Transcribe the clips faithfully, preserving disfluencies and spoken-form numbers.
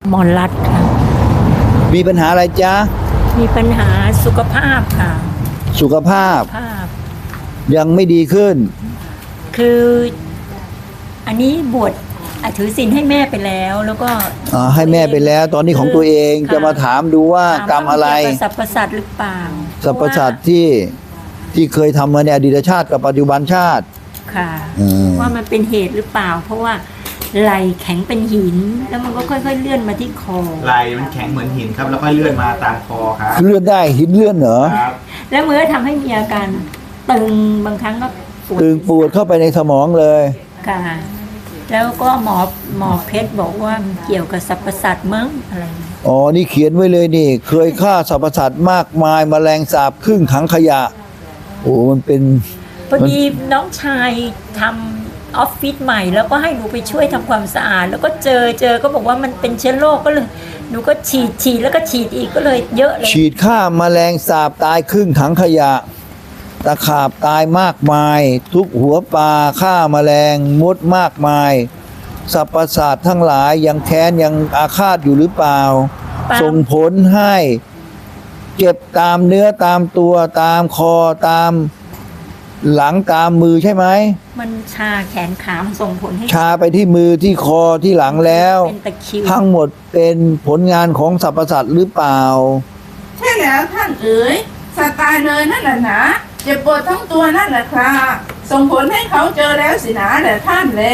หมอนรัดค่ะมีปัญหาอะไรจ๊ะมีปัญหาสุขภาพค่ะสุขภาพภาพยังไม่ดีขึ้นคืออันนี้บวชอ่ะถือศีลให้แม่ไปแล้ว แล้วก็อ่าให้แม่ไปแล้วตอนนี้ของตัวเองจะมาถามดูว่ากรรมอะไรสรรพสัตว์หรือเปล่าสรรพสัตว์ที่ที่เคยทำมาในอดีตชาติกับปัจจุบันชาติค่ะว่ามันเป็นเหตุหรือเปล่า เพราะว่าไหลแข็งเป็นหินแล้วมันก็ค่อยๆเลื่อนมาที่คอไหลมันแข็งเหมือนหินครับแล้วก็เลื่อนมาตามคอครับเลื่อนได้หินเลื่อนเหรอครับแล้วมันก็ทำให้มีอาการตึงบางครั้งก็ปวดตึงปวดเข้าไปในสมองเลยค่ะแล้วก็หมอหมอเพชรบอกว่ามันเกี่ยวกับสรรพสัตว์มั้งอะไรอ๋อนี่เขียนไว้เลยนี่เคยฆ่าสรรพสัตว์มากมายแมลงสาบครึ่งถังขยะโอ้มันเป็นพอดีน้องชายทำออฟฟิศใหม่แล้วก็ให้หนูไปช่วยทำความสะอาดแล้วก็เจอเจอก็บอกว่ามันเป็นเชื้อโรคก็เลยหนูก็ฉีดฉีดแล้วก็ฉีดอีกก็เลยเยอะเลยฉีดฆ่าแมลงสาบตายครึ่งถังขยะตะขาบตายมากมายทุกหัวปลาฆ่าแมลงมดมากมายสรรพสัตว์ทั้งหลายยังแค้นยังอาฆาตอยู่หรือเปล่าส่งผลให้เจ็บตามเนื้อตามตัวตามคอตามหลังตามมือใช่ไหมมันชาแขนขามันส่งผลให้ชาไปที่มือที่คอที่หลังแล้วเป็นตะคริวทั้งหมดเป็นผลงานของสรรพสัตว์หรือเปล่าใช่แล้วท่านเอ๋ยสัตว์ตายเลยนั่นแหละนะเจ็บปวดทั้งตัวนั่นแหละครับส่งผลให้เขาเจอแล้วสินะแหละท่านแล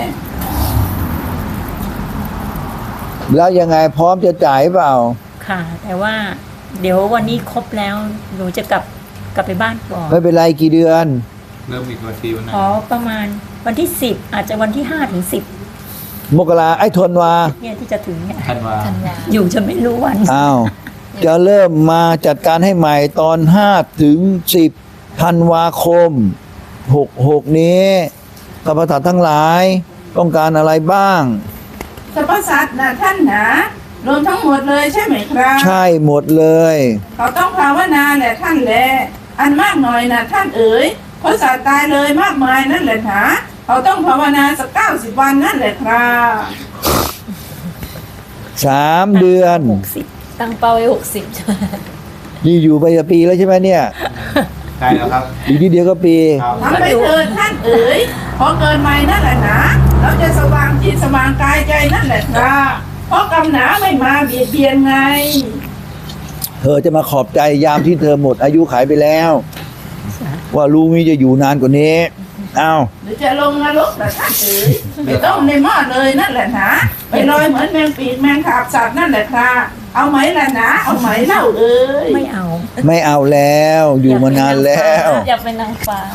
แล้วยังไงพร้อมจะจ่ายเปล่าค่ะแต่ว่าเดี๋ยววันนี้ครบแล้วหนูจะกลับกลับไปบ้านก่อนไม่เป็นไรกี่เดือนเริ่มอีกวันที่วันไหนอ๋อประมาณวันที่สิบอาจจะวันที่ห้าถึงสิบมกราไอ้ธันวาเนี่ยที่จะถึงเนี่ยธันวาอยู่จะไม่รู้วันอ้าวจะเริ่มมาจัดการให้ใหม่ตอนห้าถึงสิบธันวาคมหกหกนี้สรรพสัตว์ทั้งหลายต้องการอะไรบ้างสรรพสัตว์นะท่านนะรวมทั้งหมดเลยใช่ไหมครับใช่หมดเลยเขาต้องภาวนาแหละท่านแลอันมากหน่อยนะท่านเอ๋ยเพราะสัตว์ตายเลยมากมายนั่นแหละนะเขาต้องภาวนาสักเก้าสิบวันนั่นแหละครับสามเดือนหกสิบตั้งเป้าไว้หกสิบนี่อยู่ไปจะปีแล้วใช่ไหมเนี่ยใช่แล้วครับอีกทีเดียวก็ปีทำไปเถิดท่านเอ๋ยพอเกินใหม่นั่นแหละนะเราจะสว่างจิตสว่างกายใจนั่นแหละครับเพราะกำหนาไม่มาเบียดเบียนไงเธอจะมาขอบใจยามที่เธอหมดอายุขัยไปแล้วว่าลูกนี้จะอยู่นานกว่านี้อ้าวหรือจะลงนรกแต่ท่านเอ๋ยไม่ต้องในหม้อเลยนั่นแหละนะไปลอยเหมือนแมงปีกแมงขาบสัตว์นั่นแหละครับเอาไหมล่ะนะเอาไหมเล่าเอ๋ยไม่เอาไม่เอาแล้วอยู่มานานแล้วอยากเป็นนางฟ้า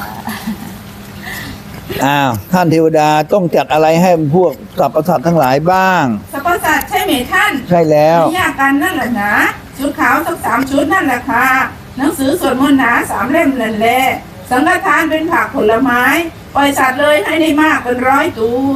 อ้าวท่านเทวดาต้องจัดอะไรให้พวกสรรพสัตว์ทั้งหลายบ้างสรรพสัตว์ใช่ไหมท่านใช่แล้วไม่ยากกันนั่นแหละนะชุดขาวสักสามชุดนั่นแหละค่ะหนังสือสวดมนต์หนาสามเล่มนั่นแหละสังฆทานเป็นผักผลไม้ปล่อยสัตว์เลยให้ได้มากเป็นร้อยตัว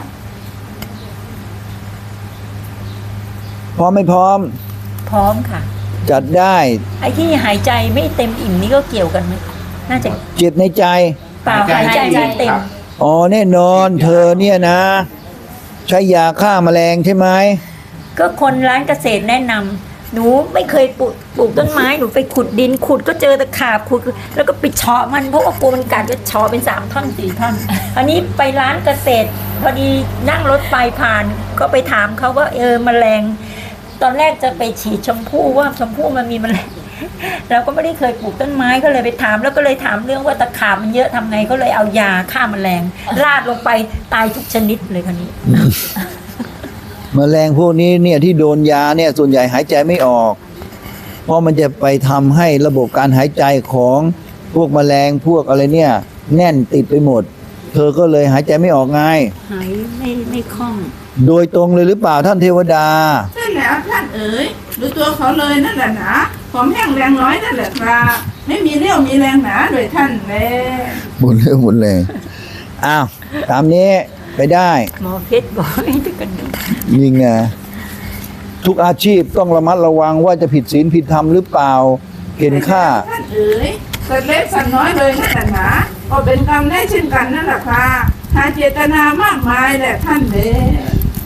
พร้อมไม่พร้อมพร้อมค่ะจัดได้ไอ้ที่หายใจไม่เต็มอิ่มนี่ก็เกี่ยวกันไหมน่าจะเจ็บในใจเปล่าหายใจไม่เต็มอ๋อแน่นอนเธอเนี่ยนะใช้ยาฆ่าแมลงใช่ไหมก็คนร้านเกษตรแนะนำหนูไม่เคยปลูกปลูกต้นไม้หนูไปขุดดินขุดก็เจอตะขาบขุดแล้วก็ไปเฉาะมันเพราะว่ากลัวมันกัดก็เฉาะเป็นสามท่อนสี่ท่อนอันนี้ไปร้านเกษตรพอดีนั่งรถไฟผ่านก็ไปถามเขาว่าเออแมลงตอนแรกจะไปฉีดชมพู่ว่าชมพู่มันมีแมลงเราก็ไม่ได้เคยปลูกต้นไม้ก็เลยไปถามแล้วก็เลยถามเรื่องว่าตะขาบมันเยอะทำไงก็เลยเอายาฆ่าแมลงราดลงไปตายทุกชนิดเลยคนนี้แมลงพวกนี้เนี่ยที่โดนยาเนี่ยส่วนใหญ่หายใจไม่ออกเพราะมันจะไปทำให้ระบบการหายใจของพวกแมลงพวกอะไรเนี่ยแน่นติดไปหมดเธอก็เลยหายใจไม่ออกไงหายไม่ไม่คล่องโดยตรงเลยหรือเปล่าท่านเทวดาใช่แล้วท่านเอ๋ยดูตัวเขาเลยนั่นแหละนะผมแห้งแรงน้อยนั่นแหละครับไม่มีเรี่ยวมีแรงหนาโดยท่านแลหมดเรื่องหมดเลยอ้าวตามนี้ไปได้หมอเพชรบอกให้ดูกันยิงไงทุกอาชีพต้องระมัดระวังว่าจะผิดศีลผิดธรรมหรือเปล่าเห็นค่าท่านเอ๋ยสัตว์เล็กสัตว์น้อยเลยนั่นแหละนะก็เป็นกรรมได้เช่นกันนั่นแหละค่ะหาเจตนามากมายแหละท่านเลย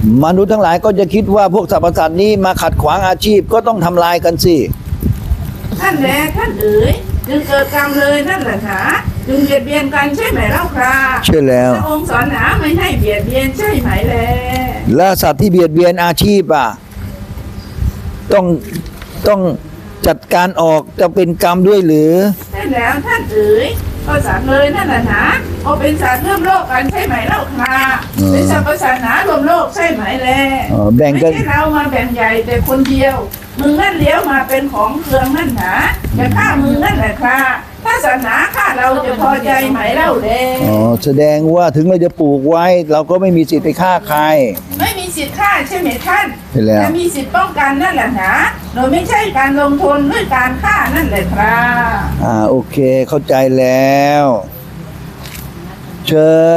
มนุษย์ทั้งหลายก็จะคิดว่าพวกสรรพสัตว์นี้มาขัดขวางอาชีพก็ต้องทำลายกันสิท่านแลท่านเอ๋ยจึงเกิดกรรมเลยนั่นแหละหนาจึงเบียดเบียนกันใช่ไหมเล่าครับใช่แล้วพระองค์สอนหนาไม่ให้เบียดเบียนใช่ไหมแลและสัตว์ที่เบียดเบียนอาชีพอ่ะต้องต้องจัดการออกจะเป็นกรรมด้วยหรือใช่แล้วท่านเอ๋ยก็สัตว์เลยนั่นแหละหนาโอเป็นสัตว์ร่วมโลกกันใช่ไหมเล่าครับเป็นสัตว์ประสาทหนารวมโลกใช่ไหมแลเออแบ่งกันไม่ใช่เรามาแบ่งใหญ่แต่คนเดียวมึงนั่นเลี้ยวมาเป็นของเครื่องนั่นหนาจะฆ่ามึงนั่นแหละครับถ้าศาสนาฆ่าเราจะพอใจไหมเล่าแลอ๋อแสดงว่าถึงเราจะปลูกไว้ เราก็ไม่มีสิทธิ์ไปฆ่าใครไม่มีสิทธิ์ฆ่าใช่ไหมท่านใช่แล้วแต่มีสิทธิ์ป้องกันนั่นแหละนะโดยไม่ใช่การลงทุนด้วยการฆ่านั่นแหละครับอ่าโอเคเข้าใจแล้ว เชิญ